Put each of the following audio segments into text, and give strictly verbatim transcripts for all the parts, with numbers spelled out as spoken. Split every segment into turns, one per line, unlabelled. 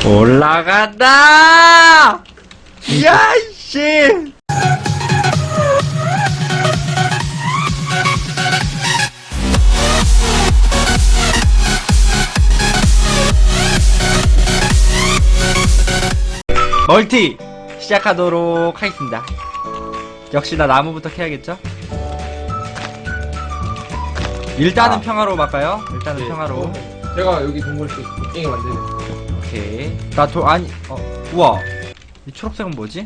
올라간다! 야, 이씨! 멀티! 시작하도록 하겠습니다. 역시나 나무부터 캐야겠죠? 일단은
아.
평화로 할까요? 일단은
네.
평화로.
제가 여기 동굴 그 곡괭이 만드는.
오케이. 나 도, 아니, 어, 우와. 이 초록색은 뭐지?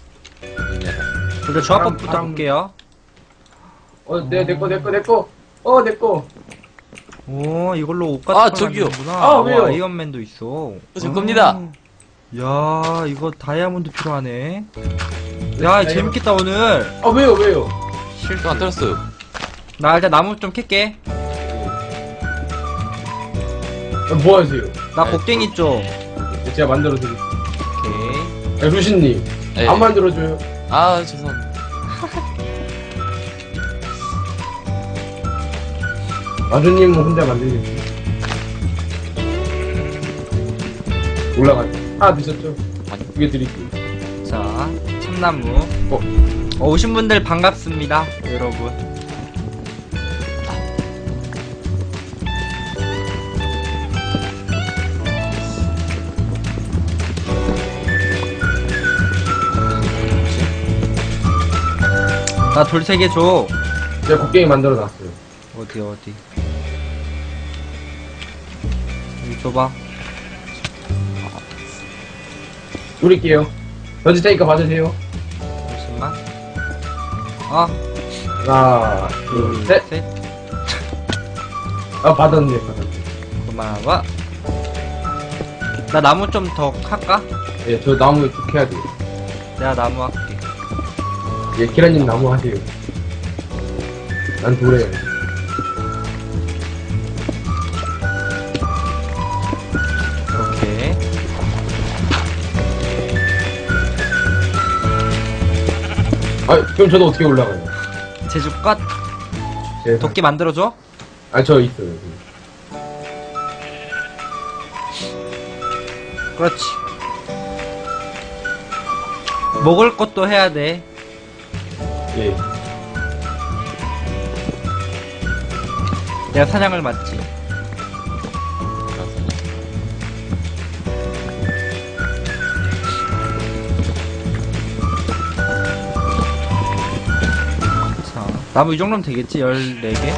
일단 조합법부터
바람-
볼게요.
어, 내, 내 거, 내 거, 내 거. 어, 내 거.
오, 이걸로 옷 같은
아,
걸
저기요.
만드는구나.
아,
와,
왜요?
아이언맨도 있어.
어, 제 겁니다.
야, 이거 다이아몬드 필요하네. 야, 재밌겠다, 오늘.
아, 왜요, 왜요?
실수.
또 안 떨었어요.
나 일단 나무 좀 캘게.
아, 뭐 하세요?
나
네.
곡괭이 좀.
제가 만들어드릴게요.
오케이.
야, 루시님.
네.
안 만들어줘요.
아, 죄송합니다.
마주님은 혼자 만들겠지. 올라가. 하나 드셨죠?
아니.
두개 드릴게요.
자, 참나무.
어?
어, 오신 분들 반갑습니다, 여러분. 나 돌 세 개 줘.
제가 곡괭이 만들어놨어요.
어디, 어디. 여기 줘봐.
뿌릴게요. 던질 테니까 봐주세요.
잠시만. 아,
하나,
둘,
둘, 셋.
셋.
아, 받았네, 받았네.
고마워. 나 나무 좀 더 할까?
예, 저 나무 이렇게 해야 돼요.
내가 나무 할게.
예, 키라님 나무 하세요. 난 돌에.
오케이.
아, 그럼 저도 어떻게 올라가요?
제주껏
제
도끼 만들어줘?
아, 저 있어요. 여기.
그렇지. 먹을 것도 해야 돼.
예.
내가 사냥을 맡지. 자, 나무 이 정도면 되겠지? 열네 개?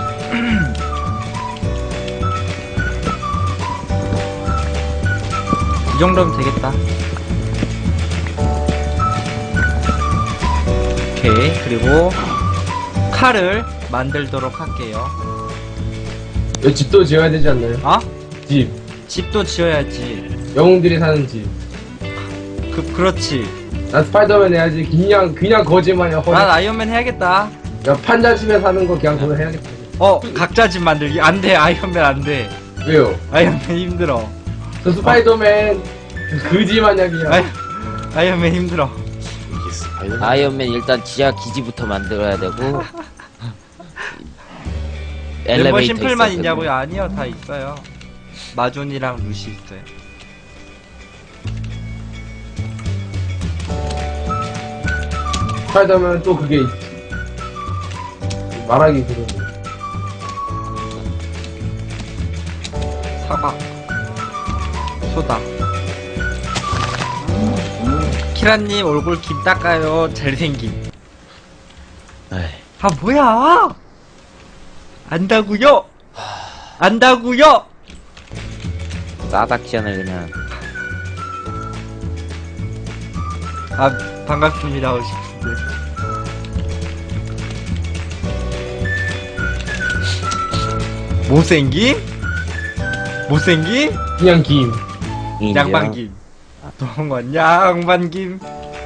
이 정도면 되겠다. 오케이. 그리고 칼을 만들도록 할게요.
여기 집도 지어야 되지 않나요?
아?
집.
집도 지어야지.
영웅들이 사는 집.
그, 그렇지.
난 스파이더맨 해야지. 그냥, 그냥 거지마냥 허리.
난 아이언맨 해야겠다.
야, 판자 집에 사는 거 그냥 그거 해야겠다.
어, 각자 집 만들기. 안 돼, 아이언맨 안 돼.
왜요?
아이언맨 힘들어.
저 스파이더맨 그지마냥이야.
아이, 아이언맨 힘들어.
아이언맨 일단 지하 기지부터 만들어야 되고
멤버
엘리베이터
심플만
있어야
있냐고요?
되고.
아니요, 다 있어요. 마존이랑 루시 있어요.
스파이더맨 또 그게 있지. 말하기 그런 거.
사과. 소다. 키라님 얼굴 김 닦아요. 잘생김.
에이,
아, 뭐야! 안다구요! 안다구요!
싸닥션을 그냥
아, 반갑습니다, 오십 분들. 못생김? 못생김?
그냥 김.
인정.
양반김. 동원 양반김.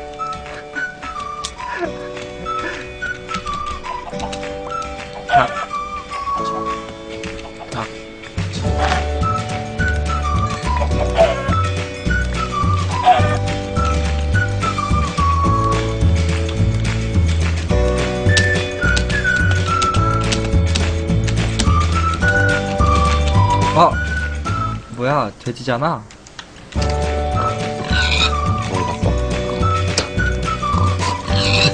자. 자. 어, 뭐야, 돼지잖아.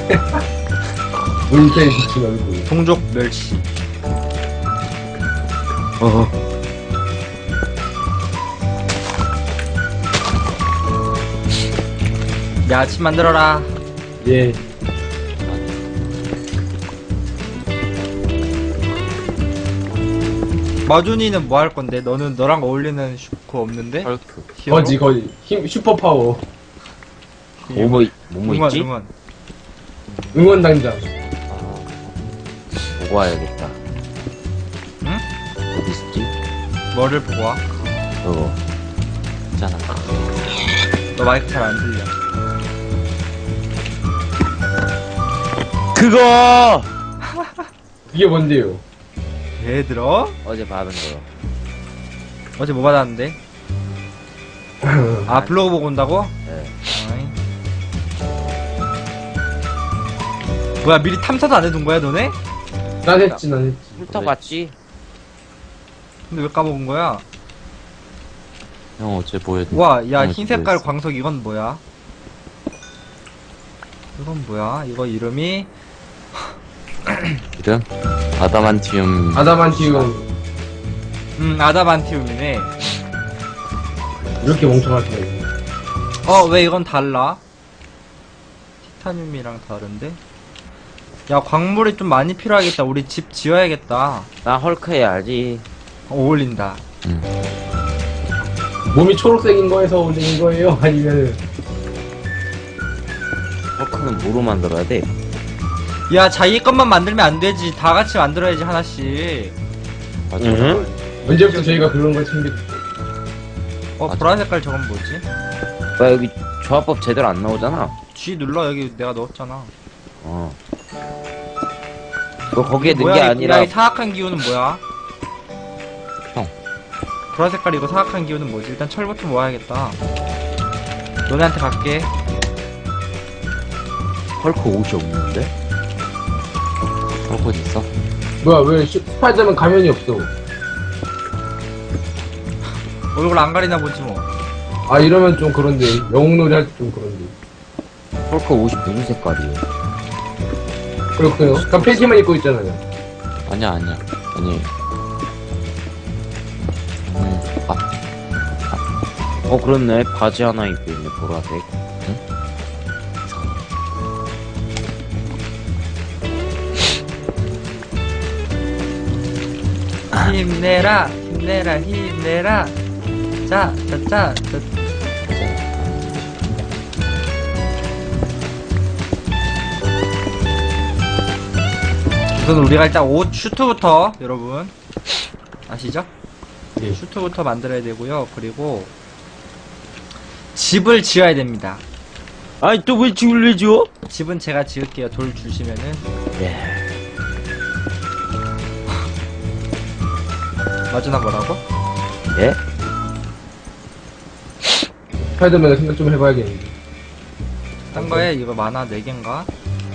모니터에 비친 얼굴.
동족 멸치.
어.
야, 아침 만들어라.
예.
마준이는 뭐 할 건데? 너는 너랑 어울리는 슈퍼 없는데?
헐크.
히어로?
거지, 거지. 힘, 슈퍼파워.
뭐, 뭐, 뭐뭐
응원,
있지?
응원.
응원단장.
보고 와야겠다.
응?
어디 있지?
뭐를 보고 와?
어.
있잖아.
너 마이크 잘 안 들려.
그거!
이게 뭔데요?
왜 들어?
어제 받은 거.
어제 뭐 받았는데? 아, 블로그 보고 온다고?
네.
아이. 뭐야, 미리 탐사도 안 해둔 거야, 너네?
난 했지, 난 했지.
훑어봤지?
근데 왜 까먹은 거야?
형 어제 보여.
와, 야,
어,
흰 색깔
뭐였어?
광석 이건 뭐야? 이건 뭐야? 이거 이름이
이름? 아다만티움.
아다만티움.
음, 아다만티움이네.
이렇게 멍청할 수가 있네.
어, 왜 이건 달라? 티타늄이랑 다른데? 야, 광물이 좀 많이 필요하겠다. 우리 집 지어야겠다.
나 헐크 해야지.
어, 어울린다.
응.
몸이 초록색인 거에서 올린 거예요? 아니면은,
헐크는 뭐로 만들어야 돼?
야, 자기 것만 만들면 안 되지. 다 같이 만들어야지, 하나씩.
맞아.
응?
언제부터 저희가 그런 걸 챙겼죠?
어,
맞아.
보라 색깔 저건 뭐지?
나 여기 조합법 제대로 안 나오잖아.
G 눌러. 여기 내가 넣었잖아.
어. 너 거기에 넣은
뭐야,
게
이-
아니라
야, 이 사악한 기운은 뭐야?
형.
보라 색깔 이거 사악한 기운은 뭐지? 일단 철부터 모아야겠다. 너네한테 갈게.
헐크 옷이 없는데?
헐크 어디 있어?
뭐야, 왜 슈- 스파이더맨 가면이 없어?
얼굴 안 가리나 보지 뭐.
아, 이러면 좀 그런데. 영웅놀이 할 때 좀 그런데.
헐크 옷이 무슨 색깔이에요?
그렇군요. 그럼 팬티만 입고 있잖아요.
아니야 아니야. 아니. 음, 아,
어 그렇네. 바지 하나 입고 있네. 보라색.
힘내라, 힘내라, 힘내라. 자, 자, 자, 자. 우선 우리가 일단 옷 슈트부터 여러분 아시죠?
예.
슈트부터 만들어야 되고요. 그리고 집을 지어야 됩니다.
아니 또 왜 집을 왜 지어?
집은 제가 지을게요. 돌 주시면은.
예.
마주나 뭐라고?
예?
스파이더맨을 생각 좀 해봐야겠는데.
딴 거에 이거 만화 네 개인가?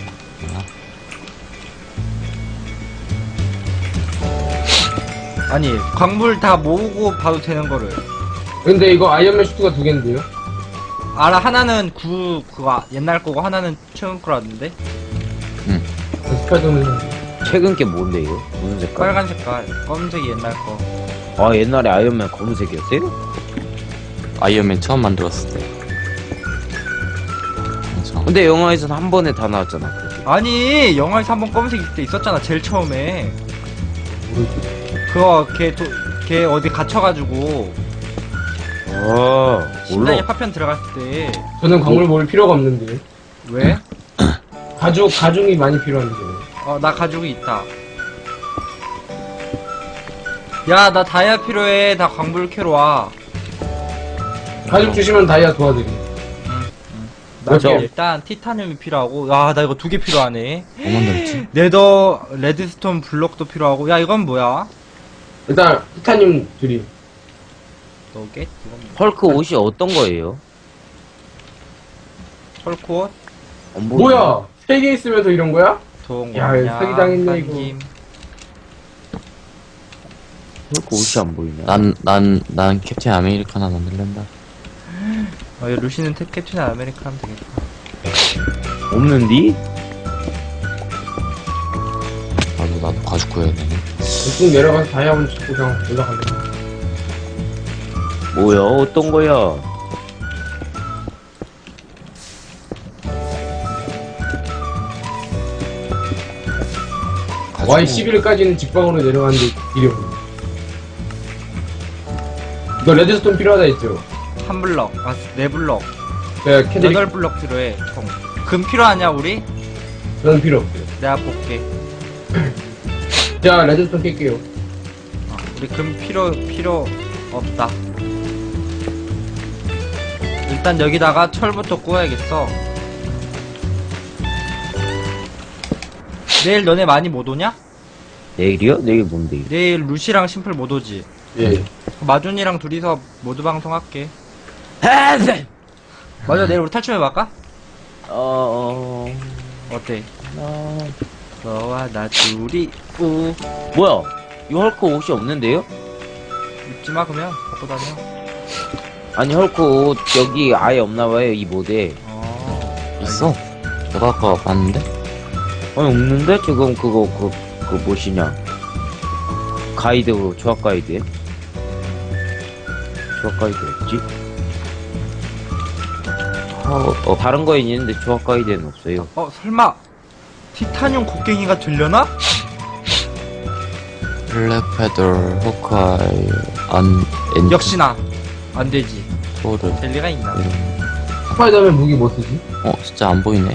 아니 광물 다 모으고 봐도 되는 거를
근데 이거 아이언맨 슈트가 두 개인데요?
알아. 하나는 구 그거 옛날 거고 하나는 최근 거라던데.
스파이더맨.
최근 게 뭔데 이거? 무슨 색깔?
빨간 색깔 검은색이 옛날 거.
아 옛날에 아이언맨 검은색이었어요?
아이언맨 처음 만들었을 때. 그래서
근데 영화에서는 한 번에 다 나왔잖아. 그렇게.
아니 영화에서 한번 검은색 있을 때 있었잖아. 제일 처음에 그거 걔, 도, 걔 어디 갇혀가지고
아
심장에
몰라.
파편 들어갔을 때.
저는 광물 모을 필요가 없는데.
왜?
가죽, 가죽이 많이 필요한데.
어 나 가죽이 있다. 야 나 다이아 필요해. 나 광물 캐러 와.
가죽 주시면 다이아 도와드림.
나
맞아.
일단 티타늄이 필요하고. 야 나 이거 두 개 필요하네.
뭐 만들었지?
네더 레드스톤 블록도 필요하고. 야 이건 뭐야?
일단, 티타늄 드림.
너겟? 이건 뭐?
헐크 옷이 어떤 거예요?
헐크옷?
어, 뭐-
뭐야! 세 개 있으면서 이런 거야?
좋은
야,
거냐?
사기당했네, 이거.
헐크 옷이 안 보이네.
난, 난, 난 캡틴 아메리카나 만들란다.
어, 루시는 탭 캡틴 아메리카 하면 되겠다.
없는디?
가죽 구해야 되네.
쭉 내려가서 다이아몬드 찍고 그냥 올라갈래.
뭐야, 어떤 거야?
가죽
와이 십일까지는 직방으로 내려가는데 길이 없네. 이거 레드스톤 필요하다 했죠?
한 블럭, 아, 네 블럭,
네, 캐드릭
여덟 블럭 필요해. 총. 금 필요하냐 우리?
저는 필요 없어요.
내가 볼게.
자, 레드스톤 깰게요.
어, 우리 금 필요 필요 없다. 일단 여기다가 철부터 구워야겠어. 내일 너네 많이 못 오냐?
내일이요? 내일 뭔데?
내일 루시랑 심플 못 오지.
예.
마준이랑 둘이서 모두 방송할게.
아, 네.
맞아, 내일 우리 탈출해볼까?
어,
어때?
어,
너와 나 둘이 우
뭐야? 이거 헐크 옷이 없는데요?
입지마 그러면 갖고 다녀.
아니, 헐크 옷 여기 아예 없나봐요, 이 모드에.
어
있어. 내가 아까 봤는데.
아니, 없는데? 지금 그거, 그, 그 무엇이냐. 가이드, 그 조합 가이드에? 조합 가이드 없지?
어, 어,
다른 거에 있는데 조합 가이드에는 없어요.
어 설마 티타늄 곡괭이가 들려나?
블랙패더, 호크아이, 안, 엔트,
역시나 안 되지.
토르.
될 리가 있나?
이런.
스파이더맨 무기 뭐 쓰지?
어, 진짜 안 보이네.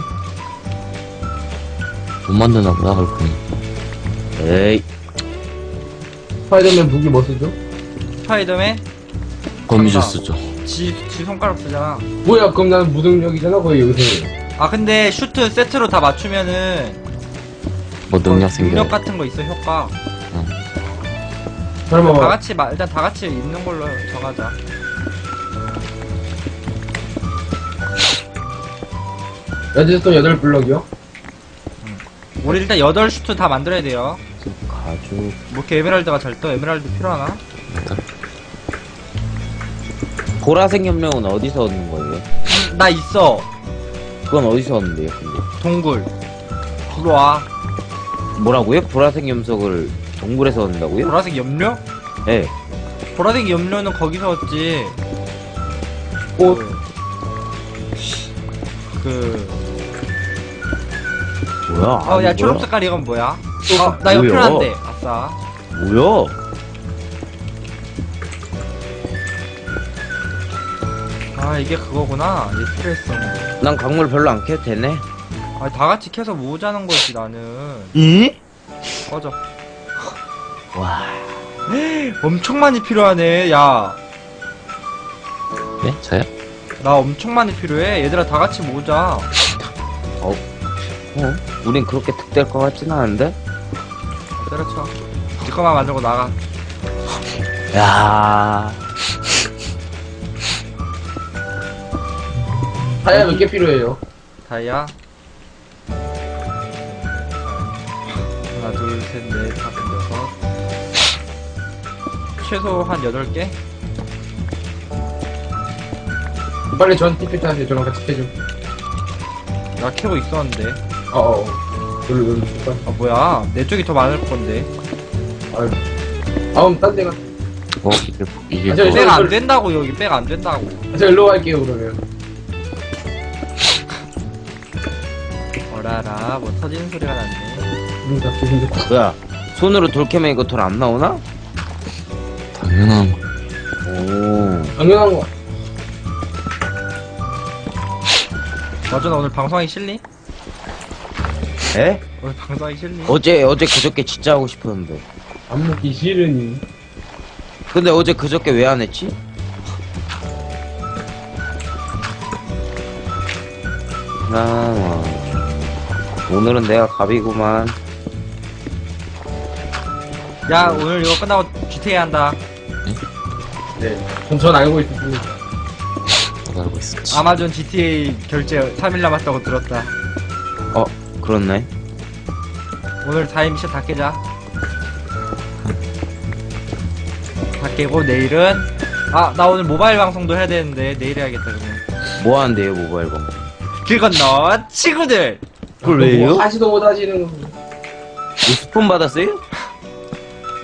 못 만드나 보다, 그렇군.
에이,
스파이더맨 무기 뭐 쓰죠?
스파이더맨
거미줄
간다.
쓰죠.
지, 지 손가락 쓰잖아.
뭐야, 그럼 나는 무능력이잖아, 거의 여기서.
아 근데 슈트 세트로 다 맞추면은
뭐 능력
어,
생겨요.
능력 같은 거 있어 효과.
설마,
다 같이 마, 일단 다 같이 입는 걸로 정하자.
레드스톤 여덟 블럭이요?
우리 일단 여덟 슈트 다 만들어야 돼요.
가죽.
뭐 이렇게 에메랄드가 잘 떠? 에메랄드 필요하나?
보라색 염료는 어디서 얻는 거예요?
음, 나 있어.
그건 어디서 얻는데요, 근데?
동굴. 들어와.
뭐라고요? 보라색 염석을 동굴에서 얻는다고요?
보라색 염료?
네.
보라색 염료는 거기서 얻지.
꽃.
그,
뭐야?
어,
아니,
야,
뭐야?
초록 색깔 이건 뭐야? 어, 나 이거
뭐야?
필요한데. 아싸.
뭐야?
아, 이게 그거구나. 얘 필요했어.
난 강물 별로 안 캐도 되네.
아, 다 같이 캐서 모으자는 거지, 나는.
이?
꺼져.
와.
엄청 많이 필요하네, 야.
네? 저요?
나 엄청 많이 필요해. 얘들아, 다 같이 모으자.
어? 우린 그렇게 득될 것 같진 않은데?
때려쳐. 네 거만 만들고 나가.
야.
다이아 몇 개 필요해요?
다이아. 하나, 둘, 셋, 넷, 다섯, 여섯. 최소 한 여덟 개?
빨리 전 티켓 하세요. 저랑 같이 캐줘.
나 캐고 있었는데.
어어. 놀러 놀러 줄까?
아, 뭐야. 내 쪽이 더 많을 건데.
아유. 다음 딴 데가.
어, 이게, 이게
아, 저,
뭐,
저,
백 안 된다고, 여기 백 안 된다고.
저 일로 갈게요, 그러면.
어라라, 뭐 터지는 소리가 났네.
기분 좋다, 기분 좋다.
뭐야? 손으로 돌 캐면 이거 돌 안 나오나?
당연한 거.
오.
당연한 거.
맞아, 나 오늘 방송하기 싫니?
에?
오늘 방송하기 싫니?
어제, 어제 그저께 진짜 하고 싶었는데.
안 먹기 싫으니.
근데 어제 그저께 왜 안 했지? 나, 오늘은 내가 갑이구만.
야, 오늘 이거 끝나고 지티에이 한다.
네. 전, 전 알고 있었습니다.
나도 알고 있었지.
아마존 지티에이 결제 삼 일 남았다고 들었다.
어, 그렇네.
오늘 다이 미션 다 깨자. 다 깨고 내일은 아, 나 오늘 모바일 방송도 해야 되는데 내일 해야겠다 그러면.
뭐 하는데요, 모바일 방송?
길 건너 친구들.
그걸
뭐
왜요?
하시도 못 하시는 거.
뭐 스폰 받았어요?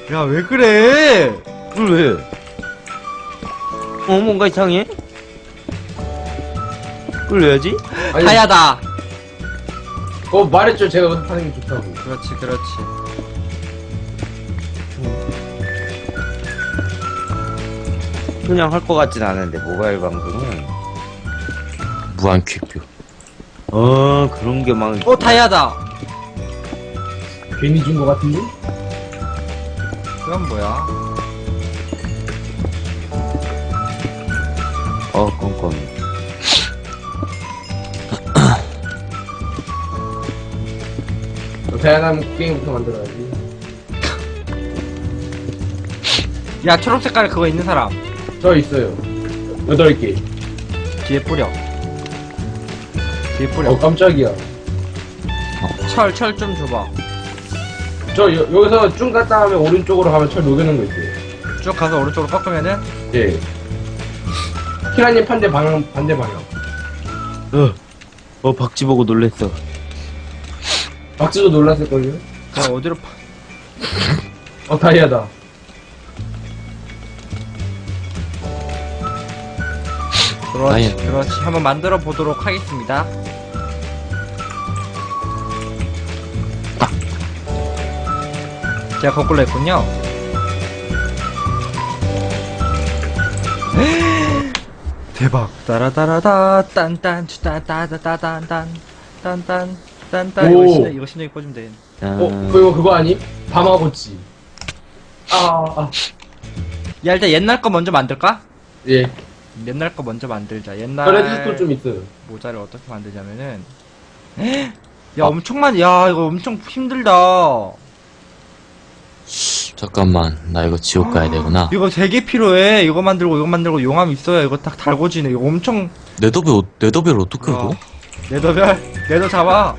야, 왜 그래?
뭘 왜? 어, 뭔가 이상해? 뭘 왜 하지?
아니,
다야다.
그거 말했죠. 제가 연습하는 게 좋다고.
그렇지, 그렇지.
그냥 할 것 같진 않은데, 모바일 방송은.
무한 퀵뷰.
어, 그런 게 막.
어, 다야다.
괜히 준 거 같은데?
그건 뭐야?
어, 껌껌이.
다양한 게임부터 만들어야지.
야, 초록 색깔 그거 있는 사람.
저 있어요. 여덟 개.
뒤에 뿌려. 뒤에 뿌려.
어, 깜짝이야.
철, 철 좀 줘봐.
저 여, 여기서 쭉 갔다 하면 오른쪽으로 가면 철 녹여놓은 거 있어요.
쭉 가서 오른쪽으로 꺾으면은,
예. 키라님 반대 방향, 반대 방향.
어, 어, 박쥐 보고 놀랬어.
박지도 놀랐을걸요?
저 어디로 파...
어, 다이아다.
그렇지,
다이아.
그렇지. 한번 만들어 보도록 하겠습니다. 제가 거꾸로 했군요. 대박. 따라따라다 딴딴 따따따따딴딴 딴딴 딴딴 이거
오.
신경 이거 신경이 꽂으면 돼.
어, 그거, 그거 아니? 바마고치. 아, 아,
야, 일단 옛날 거 먼저 만들까?
예.
옛날 거 먼저 만들자.
저
옛날
레드스톤 좀 있어요.
모자를 어떻게 만들냐면은 야, 엄청 많이 야, 이거 엄청 힘들다.
잠깐만, 나 이거 지옥 가야 되구나.
이거 되게 필요해. 이거 만들고 이거 만들고 용암 있어야 이거 딱 달궈지네. 이거 엄청
네더벨, 어- 네더벨 어떻게
야,
얻어?
네더별 네더 잡아.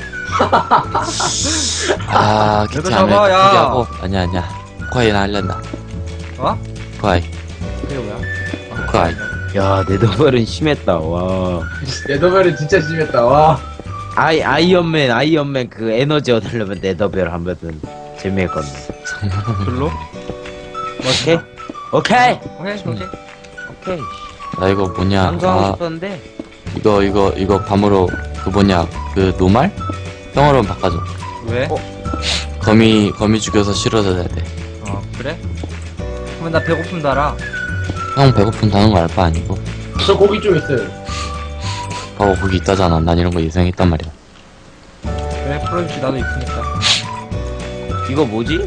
아,
얘도
기티 안 해.
잡아, 야.
포기하고. 아니야, 아니야. 포카이 나 할란다.
어?
포카이.
그게 뭐야?
포카이.
야, 네더벨은 심했다, 와.
레더벨은 진짜 심했다. 와.
아이, 아이언맨, 아이언맨 그 에너지 얻으려면 네더벨 하면은 재미있겠네.
별로?
오케이? 오케이!
오케이 오케이.
오케이.
나 이거 뭐냐.
방송하고
아,
싶었는데.
이거, 이거, 이거 밤으로, 그 뭐냐. 그 노말? 형으로 바꿔줘.
왜?
어?
거미, 거미 죽여서 실어줘야 돼.
어 그래? 그러면 나 배고픔 달아.
형 배고픈다는 거 알 바 아니고.
저 고기 좀 있어요.
봐봐, 거기 있다잖아. 난 이런 거 예상했단 말이야.
그래 풀어주지 나도 있으니까.
이거 뭐지?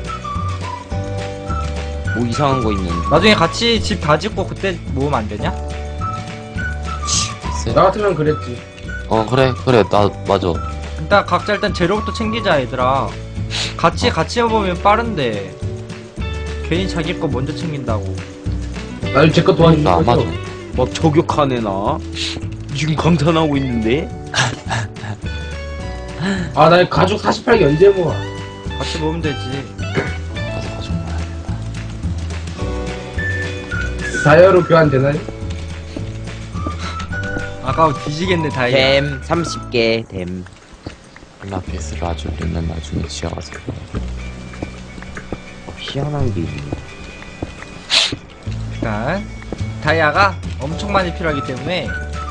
뭐 이상한 거 있는데.
나중에 같이 집 다 짓고 그때 모으면 안 되냐?
글쎄.
나 같으면 그랬지.
어, 그래, 그래. 나, 맞아.
일단 각자 일단 재료부터 챙기자 얘들아. 같이 같이 해보면 빠른데. 괜히 자기 거 먼저 챙긴다고.
나도 제거 도와주는
나
거죠?
아마존.
막 저격하네, 나. 지금 강탄하고 있는데?
아, 나 가죽 사십팔 개 언제 모아?
같이 모으면 되지.
맞아, 맞아.
다이아로 교환되나요?
아까워 뒤지겠네 다이아.
댐, 삼십 개, 댐.
글라피스를 아주 우리는 나중에 지어가서.
어, 희한한 게 있네.
일단 다이아가 엄청 많이 필요하기 때문에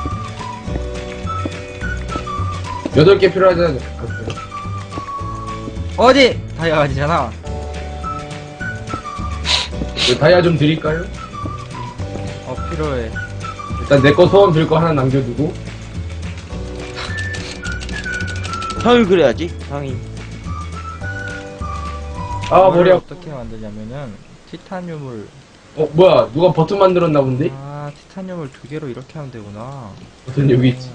여덟 개 필요하잖아.
어디 다이아가 아니잖아.
그 다이아 좀 드릴까요?
어 필요해.
일단 내 거 소원 들 거 하나 남겨두고.
형이 그래야지, 형이.
아,
이걸
머리 아파.
어떻게 만드냐면은 티타늄을
어, 뭐야. 누가 버튼 만들었나 본데?
아 티타늄을 두 개로 이렇게 하면 되구나.
버튼 여기 있지.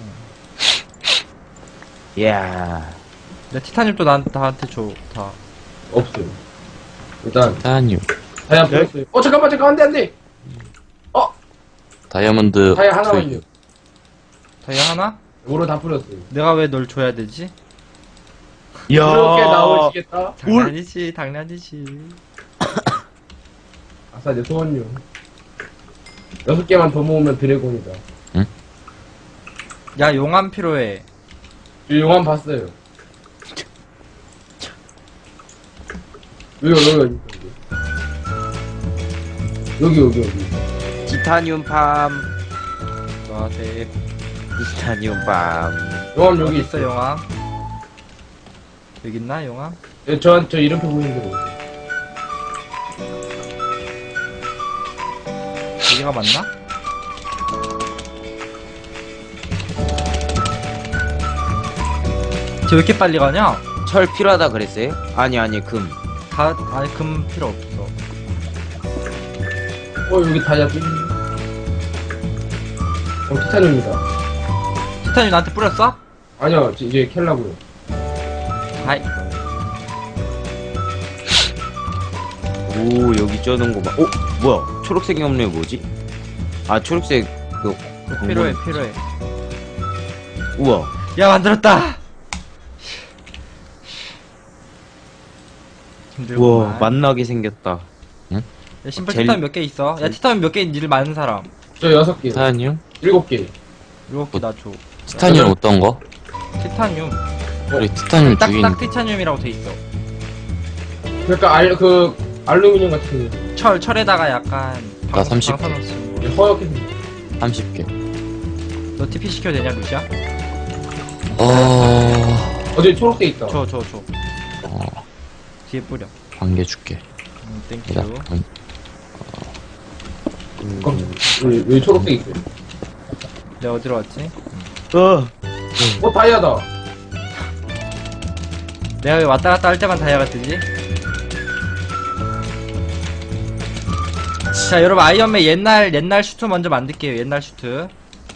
이야.
내 티타늄도 난 나한테 줘 다.
없어요. 일단
타니움.
다이아 풀었어요. 어, 잠깐만, 잠깐, 안 돼, 안 돼!
다이아몬드.
다이아 하나만요.
다이아 하나?
오로 다 풀었어요.
내가 왜 널 줘야 되지?
이야.
그렇게 나오시겠다?
당연이지 당연이지.
아싸, 내 소원요. 여섯 개만 더 모으면 드래곤이다.
야 용암 필요해.
이 용암 봤어요. 여기, 여기, 여기. 여기 여기 여기.
티타늄 팜.
와대
티타늄 팜.
용암
여기
여기
있어 용암. 여기 있나 용암?
예, 저, 저 이렇게 보이는 대로.
여기가 맞나? 쟤 왜 이렇게 빨리 가냐?
철 필요하다 그랬어요? 아니 아니 금.
다 아니 금 필요 없어.
어, 여기 다이아 또 있네. 어, 티타늄이다.
티타늄 나한테 뿌렸어?
아니요, 지- 이제 캘라고요.
아이
오 여기 쩌는 거 봐. 어 뭐야? 초록색 염료 뭐지? 아 초록색 그
필요해
공문.
필요해.
우와.
야 만들었다. 힘들구만.
우와 만나게 생겼다.
야, 심플
젤리-
티타늄 몇 개 있어? 야 티타늄 몇 개 있는지 많은 사람.
저 여섯 개.
티타늄?
일곱 개.
일곱 개 나 줘.
티타늄 어떤 거?
티타늄.
우리 티타늄 두 개.
딱딱 티타늄이라고 돼 있어.
그러니까 알, 그, 알루미늄 같은 거.
철 철에다가 약간
나 삼십 개.
방사능
이게 허옇게 생겼어.
삼십 개.
너 티피 시켜도 되냐 루시아?
어...
어제 초록색 있다.
줘 줘 줘.
어...
뒤에 뿌려.
한 개 줄게.
음, 땡큐.
자, 음,
그럼, 여기, 여기 초록색 있어요.
내가 어디로 왔지?
어.
어, 다이아다.
내가 왜 왔다 갔다 할 때만 다이아가 뜨지? 자 여러분 아이언맨 옛날 옛날 슈트 먼저 만들게요. 옛날 슈트.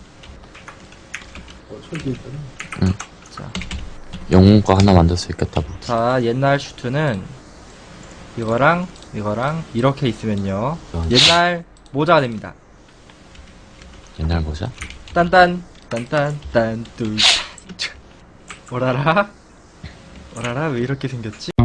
어, 철도 있잖아.
영웅과 하나 만들 수 있겠다. 뭐.
자 옛날 슈트는 이거랑 이거랑 이렇게 있으면요
어.
옛날 모자가 됩니다.
옛날 모자?
딴딴 딴딴 딴뚜 오라라 오라라 왜 이렇게 생겼지?